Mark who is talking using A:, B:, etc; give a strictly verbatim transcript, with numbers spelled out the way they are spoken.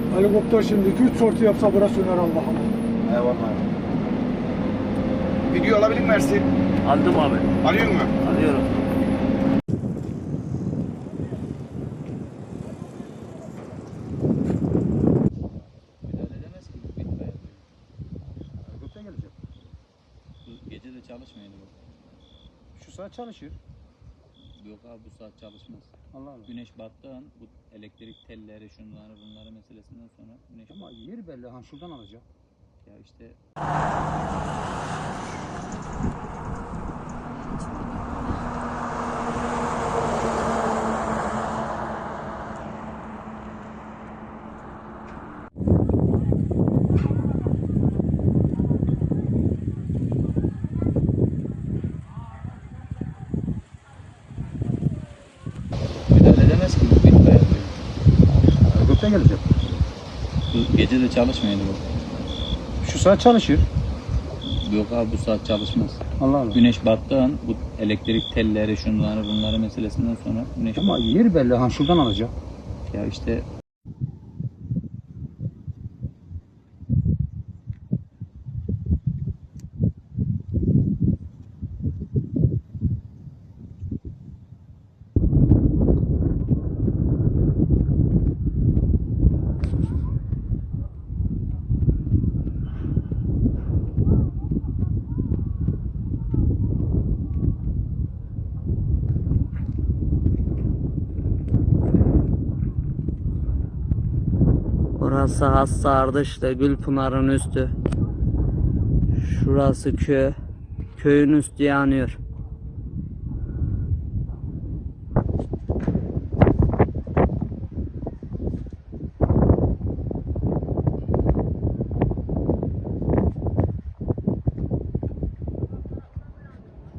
A: Helikopter şimdi iki üç sortu yapsa burası söner Allah'ım.
B: Eyvallah. Video alabilir mi Ersin?
C: Aldım abi.
B: Alıyor mu?
C: Alıyorum.
D: Müdahale edemez ki bu itfaiye.
B: Helikopter gelecek.
D: Bu gece de çalışmıyordu bu.
B: Şu saat çalışır.
D: Yok abi bu saat çalışmaz.
B: Allah Allah.
D: Güneş battığı an bu elektrik telleri şunları bunları meselesinden sonra güneş
B: Ama yeri belli. Ha şuradan alacak.
D: ya işte müdahale edemez ki bu itfaiye.
B: Helikopter gelecek.
D: Bu gece de çalışmıyordu bu.
B: Şu saat çalışır.
D: Yok abi bu saat çalışmaz.
B: Allah Allah.
D: Güneş battığı an bu elektrik telleri şunları bunları meselesinden sonra güneş
B: Ama yeri belli. Ha şuradan alacak.
D: ya işte
C: Burası Hassa Ardış'ta Gülpınar'ın üstü. Şurası köy. Köyün üstü yanıyor.